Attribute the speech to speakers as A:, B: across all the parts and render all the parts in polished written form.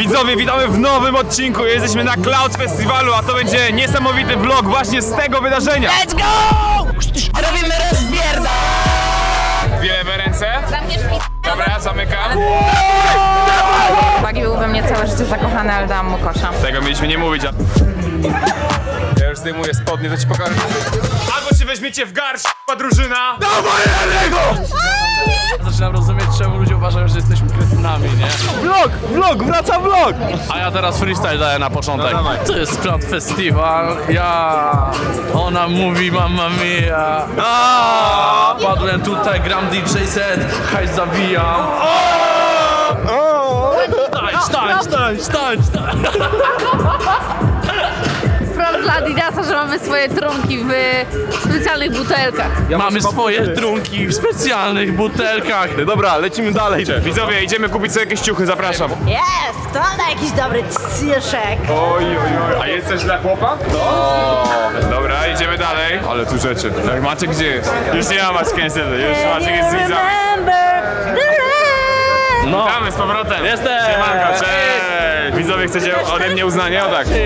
A: Widzowie, witamy w nowym odcinku. Jesteśmy na Cloud Festiwalu, a to będzie niesamowity vlog właśnie z tego wydarzenia.
B: Let's go! Robimy rozbierda!
A: Dwie lewe ręce. Dobra, zamykam.
C: Bagi był we mnie całe życie zakochany, ale dałam mu kosza.
A: Tego mieliśmy nie mówić, a... Ja już zdejmuję spodnie, to ci pokażę. Albo się weźmiecie w garść, drużyna. Dawaj, Elego!
D: Zaczynam rozumieć, czemu ludzie uważają, że jesteśmy kretynami, nie?
A: Vlog, wraca vlog!
D: A ja teraz freestyle daję na początek.
A: No dawaj.
D: To jest Cloud Festival, ona mówi mamma mia. Padłem tutaj, gram DJ set, hajs zawijam. Stań!
C: Sprawdź dla Adidasa, że mamy swoje trunki w specjalnych butelkach.
D: Mamy swoje trunki w specjalnych butelkach.
A: Dobra, lecimy dalej. Widzowie, idziemy kupić sobie jakieś ciuchy, zapraszam.
B: Jest! Kto da jakiś dobry ciszek?
A: Oj. A jest coś dla chłopa? Dobra, idziemy dalej. Ale tu rzeczy. Jak Maciek gdzie jest? Już nie ma Maciek niestety, już Maciek jest z widzami.
D: No,
A: Witamy z powrotem.
D: Jestem.
A: Siemanko, cześć. Widzowie, chcecie ode mnie uznanie? O tak.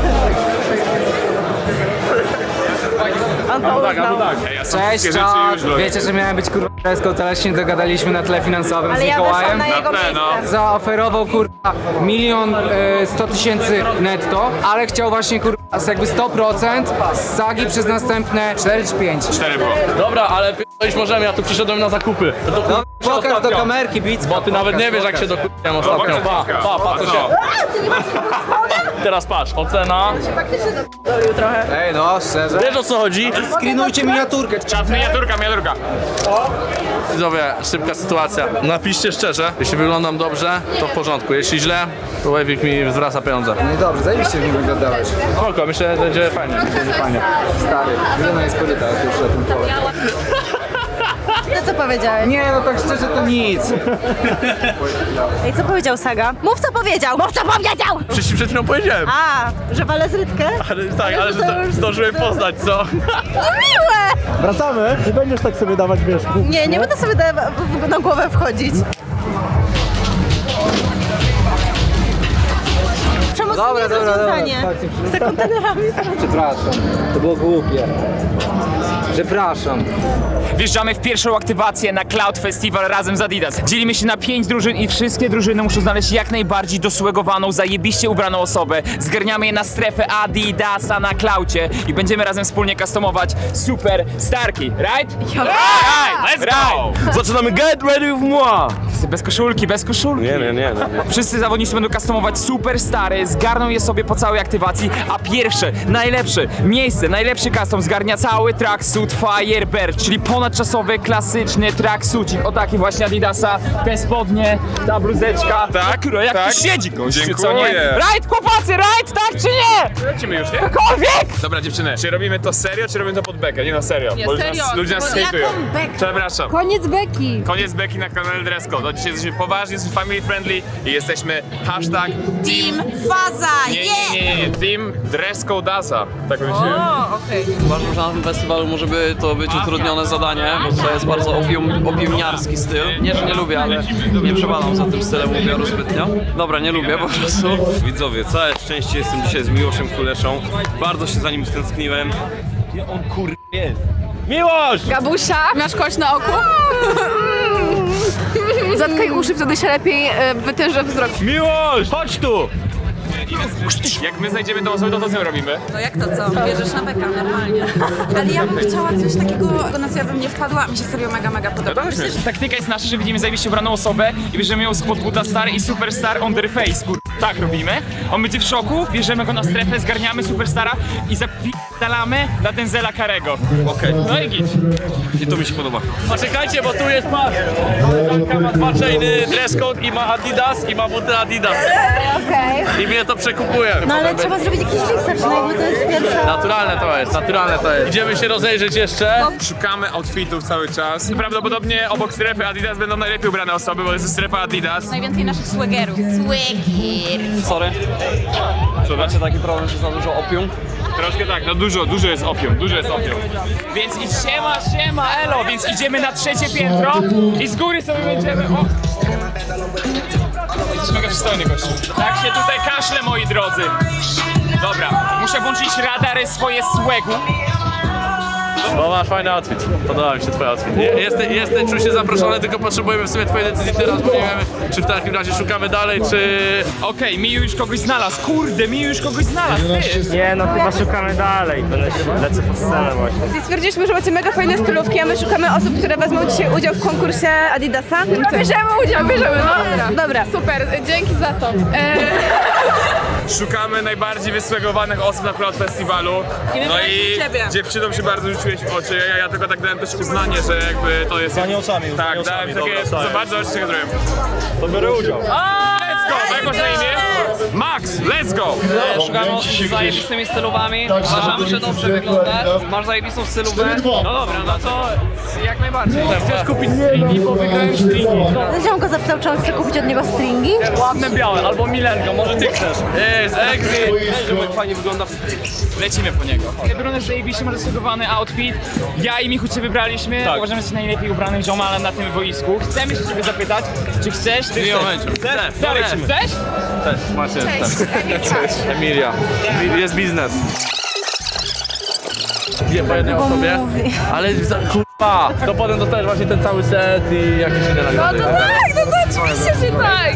A: Ej, ja są
E: Cześć,
A: wszystkie rzeczy już vlog.
E: wiecie, że miałem być kurwa deską, ale się nie dogadaliśmy na tle finansowym
B: Ale
E: z
B: ja weszłam
E: Mikołajem.
B: na jego
A: Na pewno.
B: miejsce.
E: Zaoferował kurwa 1 100 000 netto, ale chciał właśnie kurwa jakby 100% z sagi przez następne 4 czy 5.
A: 4 było.
D: dobra, ale p***ić możemy, ja tu przyszedłem na zakupy.
E: No, pokaż do kamerki, Bicka.
D: Bo ty nawet nie wiesz, jak się dokupiłem ostatnio. Pa, co się... Teraz patrz, ocena.
E: Ej no, szczerze.
D: Wiesz, o co chodzi?
E: Screenujcie miniaturkę.
A: Czas, miniaturka.
D: Widzowie, szybka sytuacja. Napiszcie szczerze, jeśli wyglądam dobrze, to w porządku. Jeśli źle, to Wavik mi zwraca pieniądze.
E: No dobrze, zajebiście w nim wyglądałeś.
D: Spoko, myślę, że będzie fajnie.
E: Fajnie. Stary, wygląda jest koryta już na tym pole.
B: No co powiedziałeś?
E: Nie, no tak szczerze to nic.
B: Ej, co powiedział Saga? Mów co powiedział! Mów co powiedział!
D: Przecież przed chwilą powiedziałem.
B: A, że walę z Rytkę?
D: Ale tak, ale że to zdążyłem poznać, co?
B: No miłe!
F: Wracamy, nie będziesz tak sobie dawać, wiesz,
B: Nie będę sobie na głowę wchodzić. Przemocne rozwiązanie. Z kontenerami.
E: Przepraszam, to było głupie. Przepraszam.
G: Wjeżdżamy w pierwszą aktywację na Cloud Festival razem z Adidas. Dzielimy się na 5 drużyn i wszystkie drużyny muszą znaleźć jak najbardziej dosłegowaną, zajebiście ubraną osobę. Zgarniamy je na strefę Adidasa na Cloudzie i będziemy razem wspólnie customować super starki, right?
A: Let's go!
F: Zaczynamy get ready with moi!
G: Bez koszulki, bez koszulki.
F: Nie.
G: Wszyscy zawodnicy będą customować super stary, zgarną je sobie po całej aktywacji, a pierwsze, najlepsze miejsce, najlepszy custom zgarnia cały tracksuit Firebird, czyli ponadczasowy, klasyczny tracksucik. O taki właśnie Adidasa, te spodnie, ta bluzeczka.
A: Tak,
G: Jak
A: tak.
G: tu siedzi gościu,
A: Dziękuję.
G: co nie? Right, chłopacy, right, tak czy nie?
A: Lecimy już, nie?
G: Cokolwiek!
A: Dobra dziewczyny, czy robimy to serio, czy robimy to pod bekę? Nie no serio, bo już
C: serio.
A: nas, ludzie nas
C: Jaką
A: hejtują.
B: bekę?
A: Przepraszam.
B: Koniec beki.
A: Koniec beki na kanale Dress Code. Dzisiaj jesteśmy poważni, jesteśmy family friendly i jesteśmy hashtag
B: Team Faza,
A: nie, Team Dress Code'asa. Tak myślałem.
H: Uważam, że na tym festiwalu może by to być utrudnione zadanie, bo to jest bardzo opiumniarski styl. Nie, że nie lubię, ale nie przepadam za tym stylem ubioru zbytnio. Dobra, nie lubię po prostu.
I: Widzowie, całe szczęście jestem dzisiaj z Miłoszem Kuleszą. Bardzo się za nim stęskniłem. Gdzie on jest? Miłosz!
C: Gabusia, masz kość na oku? Zatkaj uszy, wtedy się lepiej wytęży wzrok.
A: Miłość! Chodź tu! Jak my znajdziemy tą osobę, to co z nią robimy?
J: No jak to co? Bierzesz na beka, normalnie. Ale ja bym chciała coś takiego, na co ja bym nie wpadła, mi się serio mega podoba.
A: Myślę, że
G: Taktyka jest nasza, że widzimy zajebiście ubraną osobę i bierzemy ją spod buta star i superstar on their face, Tak robimy. On będzie w szoku, bierzemy go na strefę, zgarniamy superstara i zapi***dalamy na Denzela Karego.
I: Okej.
G: No i git.
I: I to mi się podoba.
D: Poczekajcie, bo tu jest patrz. Koleżanka ma 2 chainy, dress code i ma Adidas i ma buty Adidas.
B: Okej.
D: I mnie to przekupuje.
B: No ale trzeba zrobić jakiś research, no jakby to jest pierwsza...
D: Naturalne to jest, naturalne to jest. Idziemy się rozejrzeć jeszcze.
A: szukamy outfitów cały czas. Prawdopodobnie obok strefy Adidas będą najlepiej ubrane osoby, bo jest strefa Adidas.
J: Najwięcej naszych swaggerów.
H: Sorry.
A: Co,
H: Macie taki problem, że za dużo opium?
A: Troszkę tak, no dużo jest opium,
G: Więc i siema, elo, więc idziemy na 3. piętro i z góry sobie będziemy... jesteś mega przystojny gościu. Tak się tutaj kaszle, moi drodzy. Dobra, muszę włączyć radary swoje swegu.
D: No masz fajny outfit. Podoba mi się twój outfit. Czuję się zaproszony, tylko potrzebujemy w sumie twojej decyzji teraz, bo nie wiemy, czy w takim razie szukamy dalej, czy...
G: Okej, Miu już kogoś znalazł. Kurde, Miu już kogoś znalazł, ty.
F: Nie, no chyba szukamy dalej. Lecę po scenę właśnie.
J: Stwierdziliśmy, że macie mega fajne stylówki, a my szukamy osób, które wezmą dzisiaj udział w konkursie Adidasa. Bierzemy udział, no. Dobra.
C: Super, dzięki za to.
A: Szukamy najbardziej wysłegowanych osób na Cloud Festiwalu. No i dziewczynom się bardzo rzuciłeś w oczy. Ja tylko tak dałem też uznanie, że jakby to jest...
F: Uznanie oczami,
A: Tak, dałem takie... Zobacz, co zrobiłem.
F: To biorę udział.
A: Let's go! Jak masz na imię? Max, let's go!
H: Szukamy osób z zajebistymi stylówami. Uważamy, że dobrze wyglądasz. Masz zajebistą stylówę. No dobra, no to jak najbardziej.
F: Chcesz kupić stringi, bo wygrałem stringi.
B: Ziom go zapytał, czy on chce kupić od niego stringi.
F: Ładne białe, albo Milenko, może ty chcesz.
D: Jest, exit!
I: Jak fajnie wygląda.
G: Lecimy po niego. Bruno zajebiście ma zasługowany outfit. Ja i Michu cię wybraliśmy.
F: Tak.
G: Uważamy, że jesteś najlepiej ubranym ziomalem na tym boisku. Chcemy się ciebie zapytać, czy chcesz? Ty
D: W
G: chcesz?
D: momencie.
G: Chcesz? Chcesz?
D: Cześć, Marcin. Cześć. Emilia. Jest biznes. Nie po jednej osobie, ale kurwa, to potem dostajesz właśnie ten cały set i jakieś inne nagrody.
C: No to oczywiście, że tak.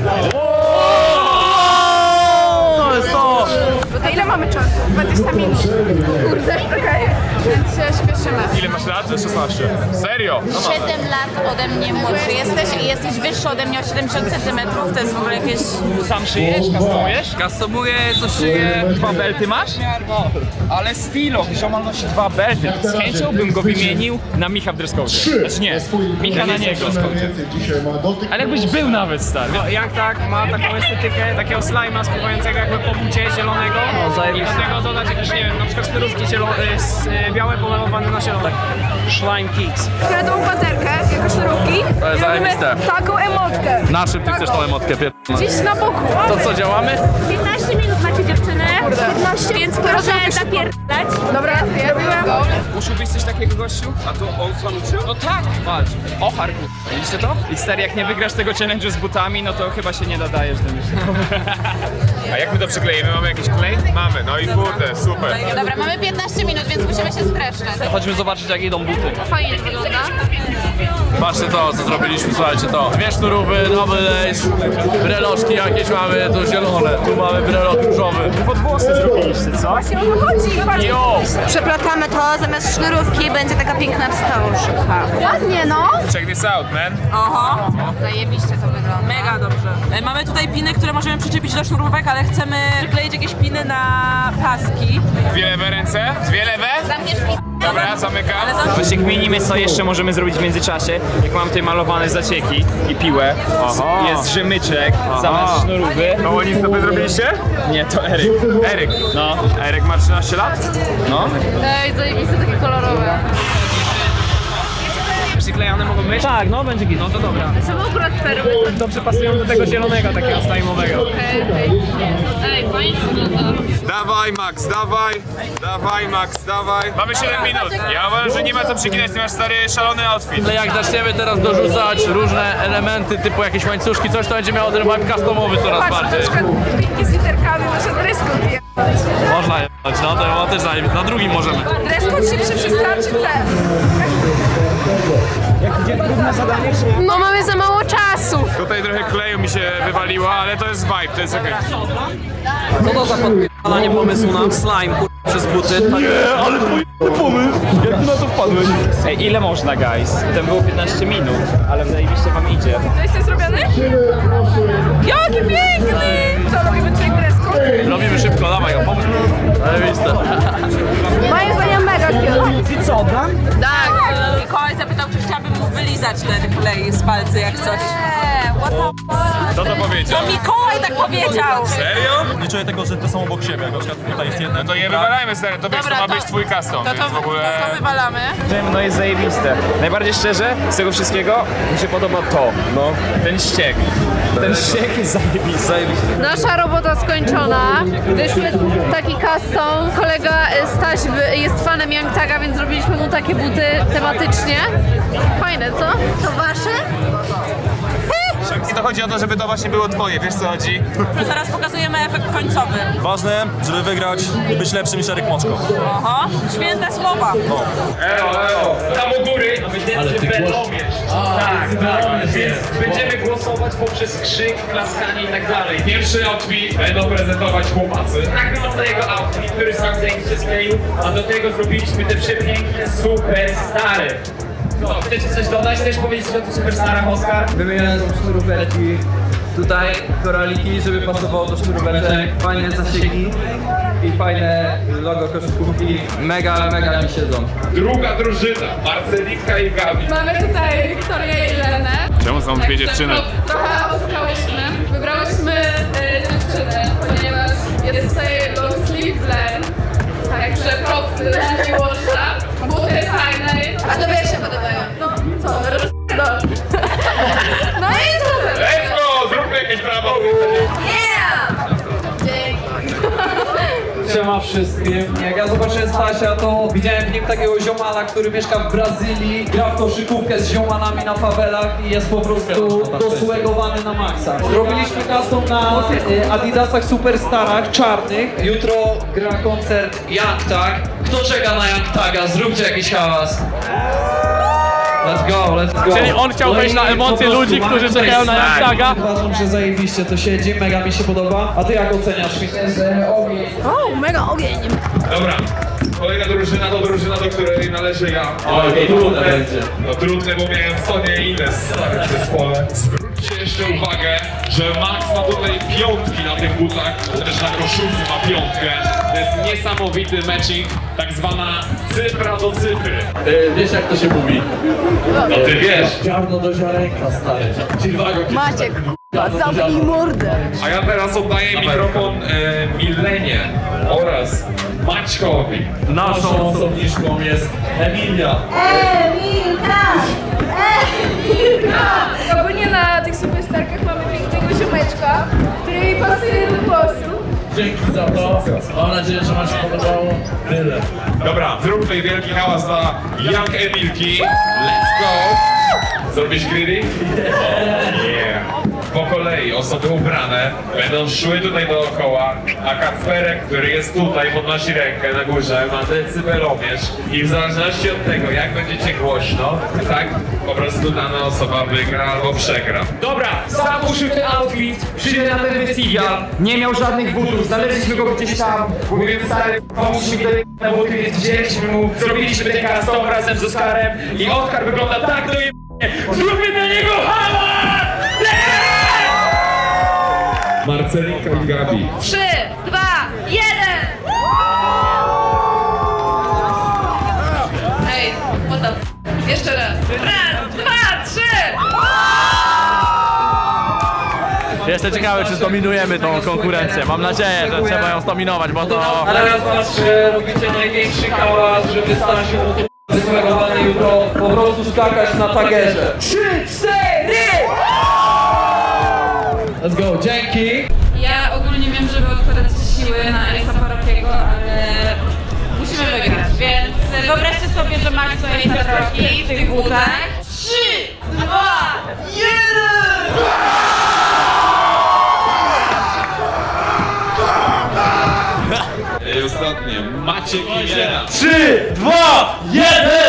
D: To jest to!
C: A ile mamy czasu? 20 minut. Kurde, okej. Więc się śpieszymy.
A: Ile masz lat? 16. Serio?
B: 7 lat ode mnie młodszy jesteś i jesteś wyższy ode mnie o 70 cm. To jest w ogóle jakieś...
G: Sam szyjesz? Customujesz?
H: Customuję, coś szyję.
G: 2 belty masz? Ale stylo, ziomal nosi 2 belty. Z chęcią bym go wymienił na Micha w dresscode. Znaczy nie, Micha na niego. Ale jakbyś był nawet, stary.
F: No, jak tak, ma taką estetykę takiego slajma spływającego jakby po bucie zielonego. I do tego dodać jakieś, nie wiem, na przykład sznurówki białe pomalowane na zielono.
H: Slime Kicks.
J: Fioletową baterkę, jako sznurówki.
D: To jest
J: I robimy
D: zajebiste.
J: taką emotkę.
D: Na czym ty chcesz tą emotkę
J: Gdzieś na boku.
D: To co, działamy?
B: 15 minut macie dziewczyny. 15, więc proszę zapierdalać.
J: Dobra, ja byłam.
G: Uczyłbyś coś takiego, gościu?
I: A to on sam uczył?
G: No tak, patrz. Ochar, widzicie to? I stary, jak nie wygrasz tego challenge'u z butami, no to chyba się nie dodajesz do mnie.
A: A jak my to przykleimy? Mamy jakiś klej? Mamy, no i kurde, super.
B: Dobra, mamy 15 minut, więc musimy się streszczać.
H: Chodźmy zobaczyć, jak idą buty.
C: Fajnie to wygląda.
D: Patrzcie to, co zrobiliśmy, słuchajcie to. 2 sznurówy, nowy lace, breloczki jakieś mamy, tu zielone, tu mamy brelok różowy.
A: Pod włosy zrobiliście, co?
J: Właśnie o to chodzi. Patrz.
G: Jo!
B: Przeplatamy to, zamiast sznurówki będzie taka piękna wstążka. Ładnie, no.
A: Check this out, man.
J: Oho,
B: Zajebiście to wygląda.
J: mega dobrze. Mamy tutaj piny, które możemy przyczepić do sznurówek, ale chcemy przykleić jakieś piny na paski.
A: Dwie lewe ręce? Dwie lewe?
B: Zamkniesz mi.
A: Dobra, zamykam.
G: Właśnie kminimy, co jeszcze możemy zrobić w międzyczasie. Jak mam tutaj malowane zacieki i piłę, jest rzemyczek, zamiast sznurówy.
A: No oni sobie zrobiliście?
G: Nie, to Eryk.
A: Eryk.
G: No.
A: Eryk ma 13 lat?
G: No.
C: Ej, zajebiste, takie kolorowe.
F: Przyklejane mogą być?
E: Tak, no będzie git.
F: No to dobra.
C: Są akurat perły.
F: Dobrze pasują do tego zielonego, takiego slajmowego.
C: Ej, fajnie wygląda.
A: Dawaj Max, dawaj. Dawaj Max, dawaj. Mamy 7 minut. Ja uważam, że nie ma co przeginać, ty masz stary szalony outfit.
D: Ale jak zaczniemy teraz dorzucać różne elementy, typu jakieś łańcuszki, coś, to będzie miało ten vibe customowy coraz
J: Patrz, na
D: bardziej.
J: przykład pinki z literkami, może dress code je.
D: Można jebać, no to też na drugim możemy.
J: Dress code szybszy przystarczy cel.
C: No mamy za mało czasu.
A: Tutaj trochę kleju mi się wywaliło, ale to jest vibe, to jest okej.
H: Co to za podpalanie pomysłu na slime przez buty?
G: Ej, ile można, guys? Ten było 15 minut, ale zajebiście wam idzie.
J: To jesteś zrobiony? Jaki piękny! Co, robimy tutaj dress code?
D: Robimy szybko, dawaj, pomysł. Zajebiste.
J: Moim zdaniem mega cute.
E: I co, Dan?
J: Tak. Mikołaj zapytał, czy chciałabym mu wylizać ten klej z palcy jak coś. What the...
A: Co to powiedział?
J: To Mikołaj tak powiedział!
A: Serio?
F: Nie czuję tego, że to są obok siebie. Na przykład tutaj jest jeden.
A: No to je wywalajmy stary, to wiesz, to ma być twój custom, więc w ogóle...
J: To wywalamy.
G: No jest zajebiste. Najbardziej szczerze, z tego wszystkiego mi się podoba to. No. Ten ściek. Ten ściek jest zajebisty.
C: Nasza robota skończona. Wyszły taki custom. Kolega Staś jest fanem Young Taga, więc zrobiliśmy mu takie buty tematycznie. Fajne, co?
B: To wasze?
A: I to chodzi o to, żeby to właśnie było twoje, wiesz co chodzi?
J: Zaraz pokazujemy efekt końcowy.
I: Ważne, żeby wygrać i być lepszym niż Eryk Moczko.
J: Oho, święte słowa.
A: Elo, tam u góry.
G: Ale ty tak, więc będziemy głosować poprzez krzyk, klaskanie i tak dalej. Pierwszy outfit będą prezentować chłopacy. Tak wygląda jego outfit, który sam się skleił, a do tego zrobiliśmy te przepiękne superstary. Co, chcecie coś dodać? Chcesz powiedzieć o tych superstarach, Oskar?
H: Wymienione są sznuróweczki. Tutaj koraliki, żeby pasowało do sznuróweczek. Fajne zasięgi i fajne logo koszykówki. Mega mi siedzą.
A: Druga drużyna, Marcelinka i Gabi.
C: Mamy tutaj Wiktorię i Lenę.
A: Czemu są dwie dziewczyny?
C: Trochę oszukałyśmy. Wybrałyśmy dziewczynę, ponieważ jest tutaj long sleeve blend. Także propsy dla Miłosza. Buty fajne. A tobie jak się podobają? No co, no i super.
A: Let's go! Zróbmy jakieś brawo!
H: Siema wszystkim. Jak ja zobaczyłem Stasia, to widziałem w nim takiego ziomala, który mieszka w Brazylii, gra w koszykówkę z ziomalami na fawelach i jest po prostu dosłegowany na maksa. Zrobiliśmy custom na Adidasach Superstarach czarnych. Jutro gra koncert Young Tag. Kto czeka na Young Taga? Zróbcie jakiś hałas. Let's go.
F: Czyli on chciał wejść na emocje ludzi, którzy czekają na Young Taga.
H: Uważam, że zajebiście to siedzi, mega mi się podoba. A ty jak oceniasz?
J: O, mega ogień.
A: Dobra, kolejna drużyna to drużyna, do której należy ja.
H: Oj, trudne będzie.
A: No trudne, bo miałem Sonię i Ines stary w zespole. Zwróćcie jeszcze uwagę, że Max ma tutaj piątki na tych butach, też na koszulce ma piątkę. To jest niesamowity matching, tak zwana cyfra do cyfry.
D: Wiesz jak to się mówi?
A: No ty wiesz.
D: Ziarno do ziarenka, stary.
J: Maciek, zamknij mordę.
A: A ja teraz oddaję mikrofon Milenie oraz Maćkowi.
D: Naszą osobniczką jest Emilia.
C: Ogólnie na tych superstarkach mamy pięknego ziomeczka, który mi pasuje do głosu.
D: Dzięki za to. Mam nadzieję, że wam się podobało. Tyle.
A: Dobra, zróbmy wielki hałas dla Young Emilki. Let's go! Zrobisz greedy? Yeah. Po kolei osoby ubrane będą szły tutaj dookoła, a Kacperek, który jest tutaj, podnosi rękę na górze, ma decybelomierz i w zależności od tego, jak będziecie głośno, tak po prostu dana osoba wygra albo przegra.
G: Dobra, sam uszył ten outfit, przyjdę na ten festiwal, nie miał żadnych butów, znaleźliśmy go gdzieś tam, mówię stary, pomóż mi tutaj na buty, więc wzięliśmy mu, zrobiliśmy ten custom razem z Oskarem i Oskar wygląda tak do zróbmy dla niego hałas!
A: Marcelinka i Gabi.
C: 3, 2, 1! Ej, what the f... Jeszcze raz. Raz, 2, 3!
D: Jestem ciekawy, czy zdominujemy tą konkurencję. Mam nadzieję, że trzeba ją zdominować, bo to...
H: Ale raz was, że robicie największy hałas, żeby Stasiu wysłegowany jutro po prostu skakać na tagerze. 3, 4! Let's go, dzięki!
J: Ja ogólnie wiem, że wy odkładacie siły na Elisa Parokiego, ale musimy wygrać, więc wyobraźcie sobie, że Max to Elisa Paroki w tych butach. 3, 2, 1!
A: I ostatnie, Maciek i Milena.
D: 3, 2, 1!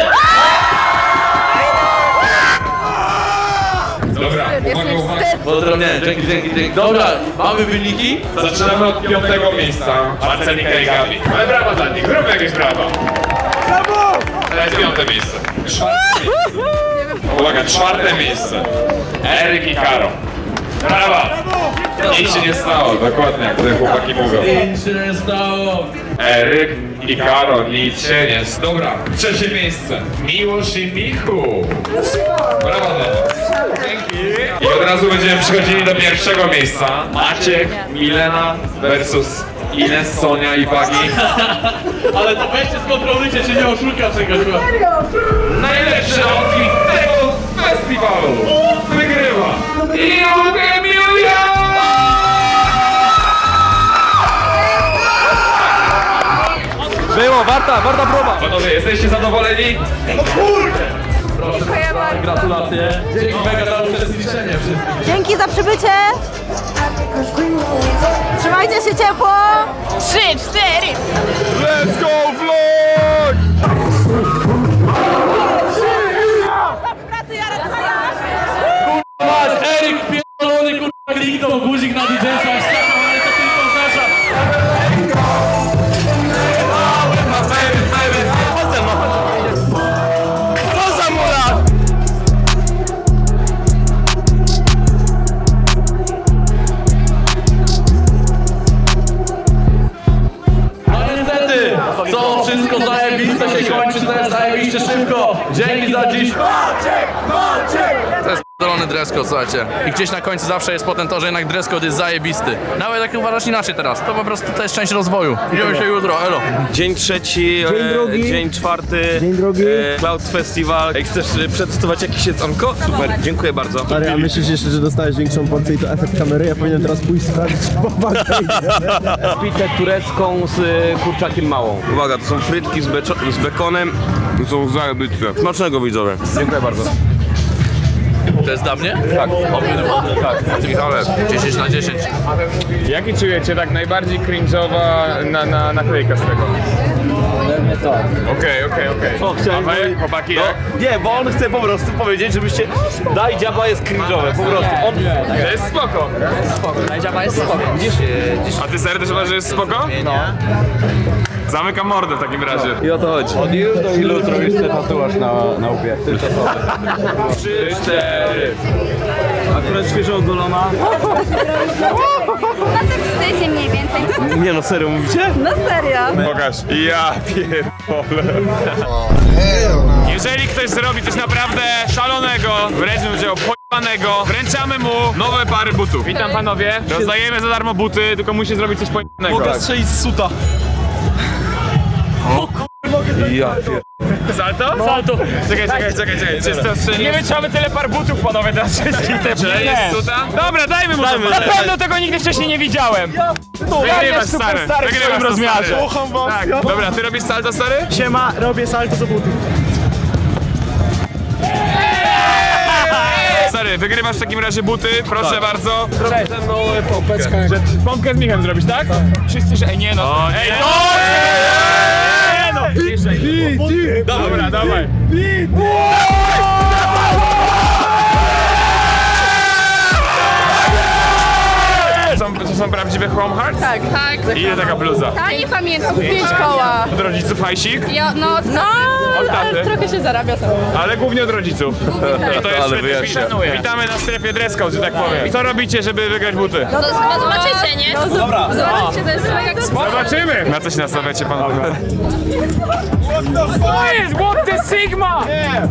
A: Dobra, uwaga.
D: Pozdrowienia, dzięki. Dobra, mamy wyniki?
A: Zaczynamy od 5. miejsca. Marcelinka i Gabi. Ale brawa dla nich, zróbmy jakieś brawa. Brawo! To jest 5. miejsce. 4. miejsce. Uwaga, 4. miejsce. Eryk i Karo. Brawa! Nic się nie stało, dokładnie jak te chłopaki mówią.
D: Nic się nie stało.
A: Eryk i Karo, nic się nie stało. Dobra, 3. miejsce. Miłosz i Michu. Brawa dla was. Dzięki. I od razu będziemy przechodzili do 1. miejsca. Maciek, Milena versus Ines, Sonia i Wagi.
D: Ale to weźcie skontrolujcie, czy nie oszuka czegoś.
A: Najlepszy outfit tego festiwalu wygrywa Young Emilia!
D: Było, warta próba.
A: Panowie, jesteście zadowoleni? No kurde!
C: Dziękuję bardzo.
D: Gratulacje. Dzięki mega za uczestniczenie wszystkich.
J: Dzięki za przybycie. Trzymajcie się ciepło.
B: 3, 4.
A: Let's go vlog!
D: Masz, Eryk pierdolony, kurwa, kliknął guzik na DJ-sa, ale to tylko zasza. Co za mura? No niestety, co wszystko zajebiste się kończy też zajebiście szybko. Dzięki za dziś. To jest p***dolony dress code, słuchajcie. I gdzieś na końcu zawsze jest potem to, że jednak dress code jest zajebisty. Nawet jak uważasz inaczej teraz, to po prostu to jest część rozwoju. Idziemy się jutro, elo.
I: Dzień trzeci, dzień czwarty, dzień drugi. Cloud Festival. Jak chcesz przetestować jakieś jedzonko? Super, dziękuję bardzo.
K: Stary, a myślisz jeszcze, że dostałeś większą porcję i to efekt kamery? Ja powinienem teraz pójść sprawdzić
I: Pizzę turecką z kurczakiem małą. Uwaga, to są frytki z bekonem. To są zajebiste. Smacznego, widzowie. Dziękuję bardzo.
D: To jest dla mnie? Tak. Obydwa? Tak. Michale, 10 na 10.
A: Jaki czujecie tak najbardziej cringe'owa naklejka z tego? Okej.
I: O, chciałem...
A: A wy, chłopaki, jak?
I: Nie, bo on chce po prostu powiedzieć, żebyście... Daj dziaba jest cringe'owe, po prostu. On...
A: To jest spoko.
E: Dziaba jest spoko.
A: A ty serio też uważasz, że jest spoko? No. Zamykam mordę w takim razie.
I: I o to chodzi.
K: Od ilu zrobisz sobie tatuaż na łbie? Tylko sobie.
A: 3, 4.
I: Akurat świeżo ogolona.
J: Na tekstycie mniej więcej.
I: Nie no, serio mówicie?
J: No serio.
A: Pokaż. Ja pierdolę. Jeżeli ktoś zrobi coś naprawdę szalonego, wręcz bym powiedział pojebanego, wręczamy mu nowe pary butów. Witam panowie. Rozdajemy za darmo buty, tylko musi zrobić coś pojebanego.
I: Mogę strzelić z suta. Ja pier...
A: Salto? Salto. Czekaj. Nie wytrzymamy tyle par butów, panowie, teraz wszystkich te jest suta? Dobra, dajmy mu to. Na pewno tego nigdy wcześniej nie widziałem. Wygrywasz, stary. Wygrywasz w rozmiarze. Kocham was. Tak. Dobra, ty robisz salto, stary?
F: Siema, robię salto za butów.
A: Stary, wygrywasz w takim razie buty, proszę bardzo.
I: Zrobię ze mną pompkę.
A: Pompkę z Michem zrobisz, tak? Wszyscy, że... Ej, nie no. Ej, to... Nie no! Dobra, dawaj. To są prawdziwe Chrome Hearts?
C: Tak.
A: Ile taka bluza?
C: Ja nie pamiętam, 5 koła.
A: Od rodziców hajsik?
C: Ja,
A: Od taty?
C: trochę się zarabia sam.
A: Ale głównie od rodziców. I to jest
I: Ale
A: świetny
I: wyjaśnia.
A: szanuję. Witamy na strefie dress code, że tak powiem. Co robicie, żeby wygrać buty?
C: No to chyba zobaczycie, nie? Dobra. Zobaczycie, to jest jak
A: Zobaczymy! Na co się nastawiacie, panowie? Co jest? What the Sigma?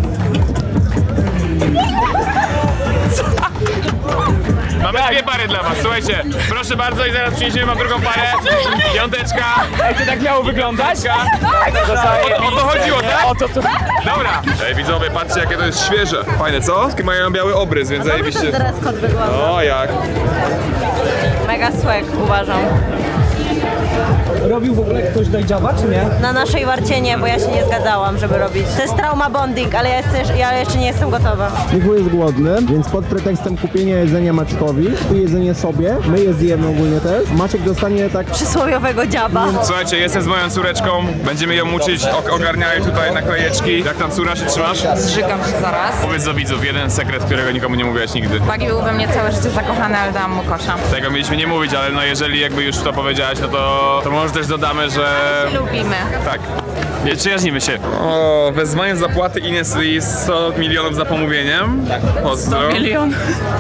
A: Mamy dwie pary dla was, słuchajcie. Proszę bardzo i zaraz przyniesiemy wam drugą parę. Piąteczka. Ej, to tak miało wyglądać? O to chodziło, tak? Dobra. Ej, widzowie, patrzcie jakie to jest świeże. Fajne, co? Mają biały obrys, więc zajebiście.
J: Teraz kot wygląda.
A: O, jak?
J: Mega swag, uważam.
F: Robił w ogóle ktoś dojdziaba, czy nie?
J: Na naszej warcie nie, bo ja się nie zgadzałam, żeby robić. To jest trauma bonding, ale ja jeszcze nie jestem gotowa.
K: Michu jest głodny, więc pod pretekstem kupienia jedzenia Maćkowi, tu jedzenie sobie, my je zjemy ogólnie też. Maciek dostanie tak...
J: Przysłowiowego dziaba.
A: Słuchajcie, jestem z moją córeczką. Będziemy ją uczyć, ogarniają tutaj naklejeczki. Jak tam córa się trzymasz?
B: Zżygam się zaraz.
A: Powiedz do widzów jeden sekret, którego nikomu nie mówiłaś nigdy.
B: Bagi był we mnie całe życie zakochany, ale dałam mu kosza.
A: Tego mieliśmy nie mówić, ale no jeżeli jakby już to powiedziałaś, no to może też dodamy, że...
B: Lubimy.
A: Tak. Nie, przyjaźnimy się. O, wezwanie zapłaty Ines i 100 milionów za pomówieniem. Tak. Pozdro.
B: 100 milionów.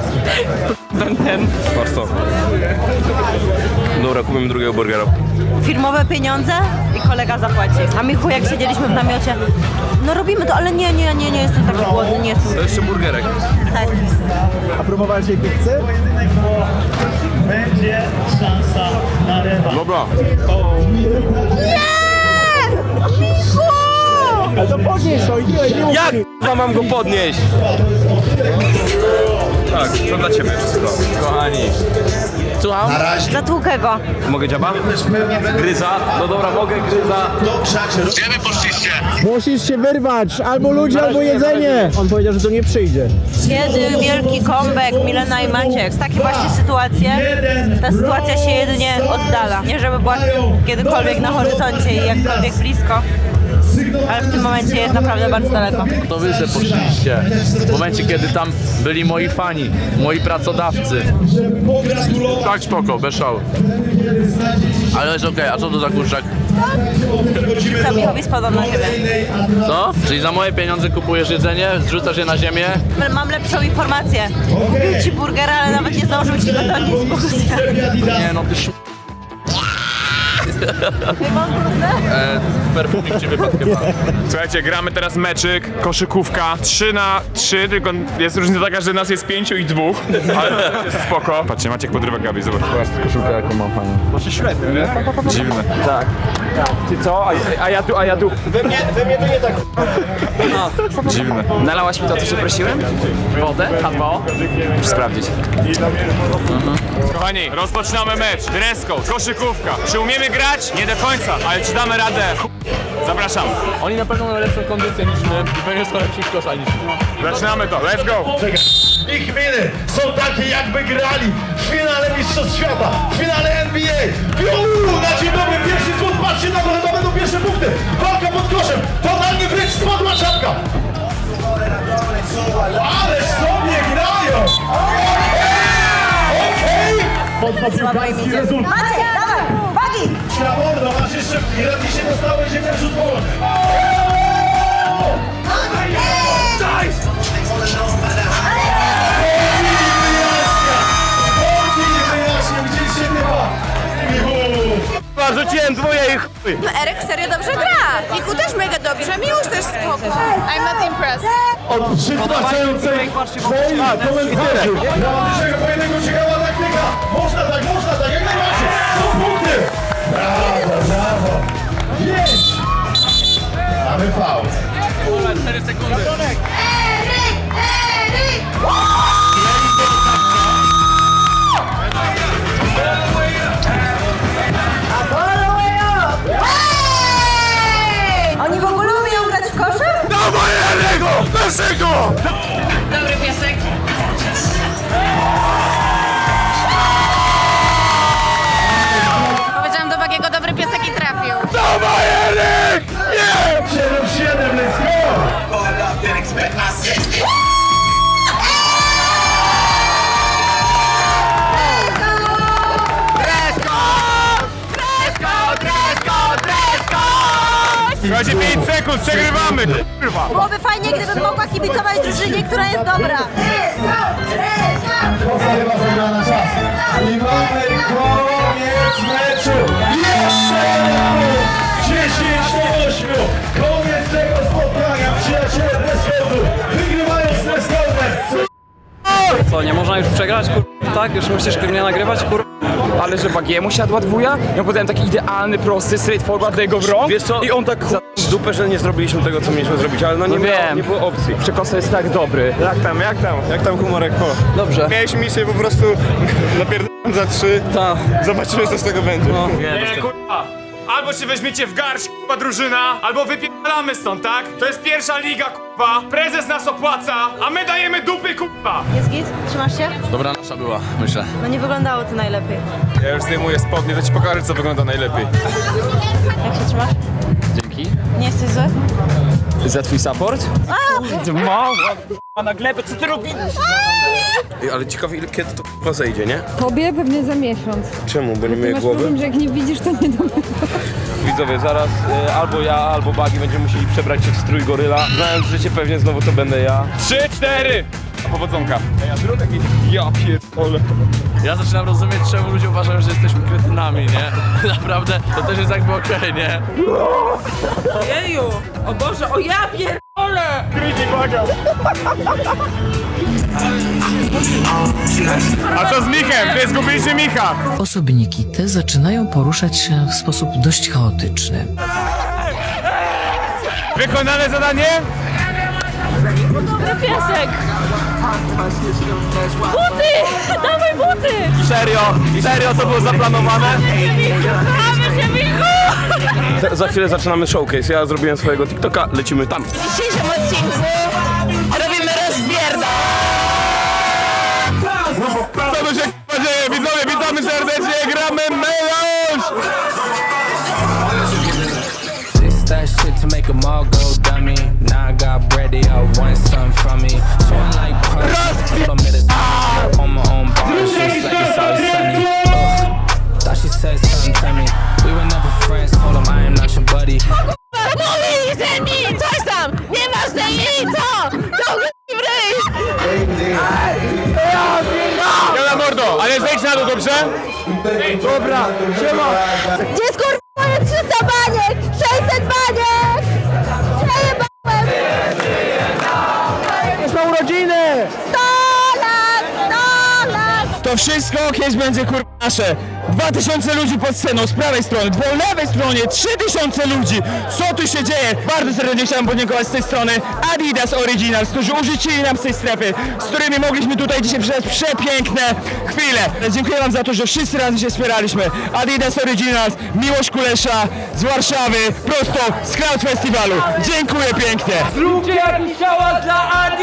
I: Warto. Dobra, kupimy drugiego burgera.
J: Firmowe pieniądze i kolega zapłaci. A Michu, jak siedzieliśmy w namiocie, no robimy to, ale nie jestem taki głodny, nie jestem.
I: To jeszcze burgerek.
J: Tak.
K: A próbowałeś jej pizzy?
F: Będzie szansa na rewanż.
A: Dobra.
F: Ale to podnieś to, nie
I: Jak mam go podnieść? Tak, to dla ciebie wszystko. Kochani.
D: Słucham?
J: Zatłukę go.
I: Mogę dziaba? Gryza? No dobra, mogę gryza.
D: Gdzie wy poszliście?
K: Musisz się wyrwać, albo ludzie, albo jedzenie. On powiedział, że to nie przyjdzie.
J: Kiedy wielki comeback Milena i Maciek. Takie właśnie sytuacje. Ta sytuacja się jedynie oddala. Nie żeby była kiedykolwiek na horyzoncie i jakkolwiek blisko. Ale w tym momencie jest naprawdę bardzo daleko.
D: To wy se poszliście. W momencie, kiedy tam byli moi fani, moi pracodawcy. Tak spoko, bez szału. Ale jest okej, a co to za kurczak?
J: Zabichowi spadł na ziemię.
D: Co? Czyli za moje pieniądze kupujesz jedzenie, zrzucasz je na ziemię?
J: Mam lepszą informację. Kupił ci burgera, ale nawet nie zdążył ci go donieść z pokusja.
D: Nie no, ty perfumik ci wypadł chyba.
A: Słuchajcie, gramy teraz meczyk, koszykówka, 3-3, tylko jest różnica taka, że nas jest 5 i 2, ale to jest spoko. Patrzcie, Maciek podrywa Gabi, zobacz.
D: Koszulkę jaką mam fajną.
A: Masz średnio, nie? Dziwne.
F: Tak. Ty co? A ja tu.
K: We mnie to nie tak.
A: Dziwne.
G: Nalałaś mi to, co cię prosiłem? Wodę? H2O? Muszę sprawdzić.
A: Kochani, rozpoczynamy mecz. Dress code, koszykówka. Czy umiemy grać? Nie do końca, ale czy damy radę? Zapraszam.
D: Oni na pewno mają lepszą kondycję niż my i pewnie są lepsi w kosza niż my.
A: Zaczynamy to, let's go.
L: Ich miny są takie, jakby grali w finale Mistrzostw Świata, w finale NBA. Na dzień dobry, pierwszy złot, patrzcie na to, to będą pierwsze punkty. Walka pod koszem, totalnie wręcz spadła czapka. Ale sobie grają! Okej! Podpiłkarski rezultat.
J: Maciek, dawaj! Bagi!
L: Mordo, masz jeszcze gratis się dostałeś, że ten rzut wolny. Gdzie się bywa?
I: Rzuciłem dwoje i chuj.
B: No Erek serio dobrze gra. Michu też mega dobrze, Miłosz też spoko. I'm not impressed.
L: Od przytłaczającej twojej komentarzy. Dramatycznego pojedynku ciekawa taktyka. Można tak, jak najbardziej. Są punkty. Brawo. 5. Mamy faul.
D: 4 sekundy.
J: Oni w ogóle umieją grać w kosze?
L: Dawaj Erego! Naszego!
J: Dobry piesek.
B: Powiedziałam do Bagiego dobry piesek i trafił.
L: Dawaj Erek! Nie! 7-7, let's go!
A: Słuchajcie, 5 sekund, przegrywamy. Kurwa.
J: Byłoby fajnie, gdybym mogła kibicować drużynie, która jest dobra.
L: Kosa chyba zagrała na czas. I mamy koniec meczu. Jeszcze jeden punkt. 10-8. Koniec tego spotkania. Przyjaciele Dresscode'u wygrywają z Dresscode'em.
H: Co, nie można już przegrać, kur... Tak? Już musisz mnie nagrywać, kur...
G: Ale że Bagiemu siadła dwuja? Ja podałem taki idealny, prosty, straightforward do jego wrąg.
I: Wiesz co?
G: I on tak...
I: Z dupę, że nie zrobiliśmy tego, co mieliśmy zrobić, ale no nie,
G: wiem.
I: nie było opcji.
G: Przekosa jest tak dobry.
I: Jak tam humorek po?
H: Dobrze.
I: Miałeś misję po prostu napierdolę za 3.
H: Ta.
I: Zobaczymy, co z tego będzie.
H: No.
A: Nie, kurwa. Albo się weźmiecie w garść, kurwa, drużyna, albo wypierdalamy stąd, tak? To jest pierwsza liga, kurwa. Prezes nas opłaca, a my dajemy dupy, kurwa.
J: Jest git? Trzymasz się?
D: Dobra nasza była, myślę.
J: No nie wyglądało to najlepiej.
A: Ja już zdejmuję spodnie, to ci pokażę, co wygląda najlepiej.
J: Jak się trzymasz?
G: Dzięki.
J: Nie jesteś zły?
G: Za twój support? A na glebę, co ty robisz?
I: Ale ciekawe, ile kiedy to k***a zejdzie, nie?
M: Tobie pewnie za miesiąc.
I: Czemu? Bo nie
M: Ty
I: myję
M: masz
I: głowy?
M: problem, że jak nie widzisz, to nie domy.
I: Widzowie, zaraz albo ja, albo Bagi będziemy musieli przebrać się w strój goryla. Znając życie, pewnie znowu to będę ja.
A: 3-4. Powodzonka. Ja zrób taki... Ja pierdolę.
D: Ja zaczynam rozumieć, czemu ludzie uważają, że jesteśmy kretynami, nie? Naprawdę, to też jest jakby okej, nie?
J: Jeju! O Boże, o ja pierdolę!
A: A co z Michem? Ty zgubiliście Micha.
N: Osobniki te zaczynają poruszać się w sposób dość chaotyczny.
A: Wykonane zadanie?
J: Dobry piesek! Buty! Dawaj buty!
I: Serio to było zaplanowane?
J: Dawaj,
I: Za chwilę zaczynamy showcase. Ja zrobiłem swojego TikToka, lecimy tam.
J: W dzisiejszym odcinku robimy rozbierda.
I: Co tu się dzieje? Widzowie, witamy serdecznie, gramy melanż!
O: That shit to make them all go dummy. Now I got bread, they all want something from me. Feeling like party, I'm at a on my own bar, it's just like it's always sunny. Thought she said something to me. We were never friends, told him I am not your buddy.
J: Mówili, że mi coś tam, nieważne i co, to w ryj.
I: Ja na mordo, ale zejdź na dół, dobrze?
K: Dobra, siema!
J: Gdzie jest kurwa moje 300 baniek, 600 baniek? Przejebałem.
K: Jest na urodziny!
J: 100 lat!
G: To wszystko kiedyś będzie kurwa nasze. 2000 ludzi pod sceną z prawej strony, po lewej stronie 3000 ludzi. Co tu się dzieje? Bardzo serdecznie chciałem podziękować z tej strony Adidas Originals, którzy użyczyli nam z tej strefy, z którymi mogliśmy tutaj dzisiaj przeżyć przepiękne chwile. Dziękuję wam za to, że wszyscy razem się wspieraliśmy. Adidas Originals, Miłosz Kulesza z Warszawy, prosto z Cloud Festiwalu. Dziękuję pięknie.
H: Zróbcie jakiś hałas dla Adi!